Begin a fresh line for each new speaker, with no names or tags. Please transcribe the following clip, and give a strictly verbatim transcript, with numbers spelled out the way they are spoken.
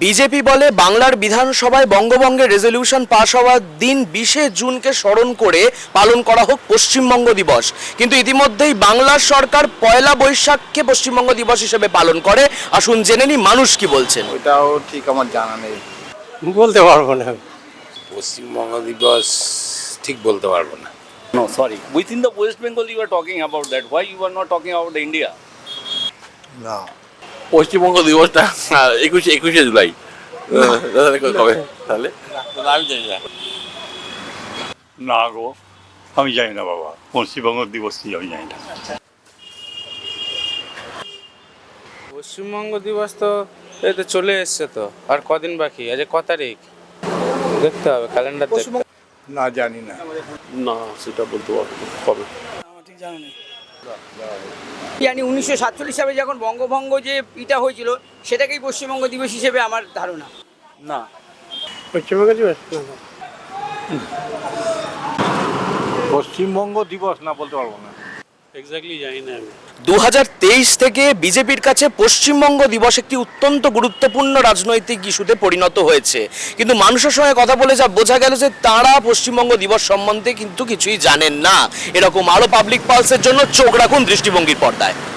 BJP বলে বাংলার বিধানসভায় বঙ্গভঙ্গের রেজলিউশন পাশ হওয়ার দিন বিশে জুনকে স্মরণ করে পালন করা হোক পশ্চিমবঙ্গ দিবস, কিন্তু ইতিমধ্যেই বাংলার সরকার পয়লা বৈশাখকে পশ্চিমবঙ্গ দিবস হিসেবে পালন করে। আসুন জেনে নি মানুষ কি বলছেন।
ওটাও ঠিক আমার জানা নেই,
বলতে পারবো না।
পশ্চিমবঙ্গ দিবস ঠিক বলতে পারবো না।
No, sorry. Within the West Bengal, you are talking about that. Why you are not talking about India?
না
পশ্চিমবঙ্গ দিবসটা একুশে একুশে জুলাই কবে তাহলে আমি জানি না।
না গো, আমি জানি না বাবা, পশ্চিমবঙ্গ দিবস কি আমি জানি না।
পশ্চিমবঙ্গ দিবস তো এই তো চলে এসছে, তো আর কদিন বাকি আছে? ক তারিখ দেখতে হবে, ক্যালেন্ডার দেখতে হবে।
না জানি না।
না সেটা বলতে পারবো কবে।
জানি উনিশশো সাতচল্লিশ সালে যখন বঙ্গভঙ্গ যে ইটা হয়েছিল সেটাকেই পশ্চিমবঙ্গ দিবস হিসেবে আমার ধারণা।
না, পশ্চিমবঙ্গ দিবস
পশ্চিমবঙ্গ দিবস না বলতে পারবো না।
এক্স্যাক্টলি জানি না আমি।
দু হাজার তেইশ থেকে বিজেপির কাছে পশ্চিমবঙ্গ দিবস একটি অত্যন্ত গুরুত্বপূর্ণ রাজনৈতিক ইস্যুতে পরিণত হয়েছে, কিন্তু মানুষের সঙ্গে কথা বলে যা বোঝা গেল যে তারা পশ্চিমবঙ্গ দিবস সম্বন্ধে কিন্তু কিছুই জানেন না। এরকম আরো পাবলিক পালসের জন্য চোখ রাখুন দৃষ্টিভঙ্গির পর্দায়।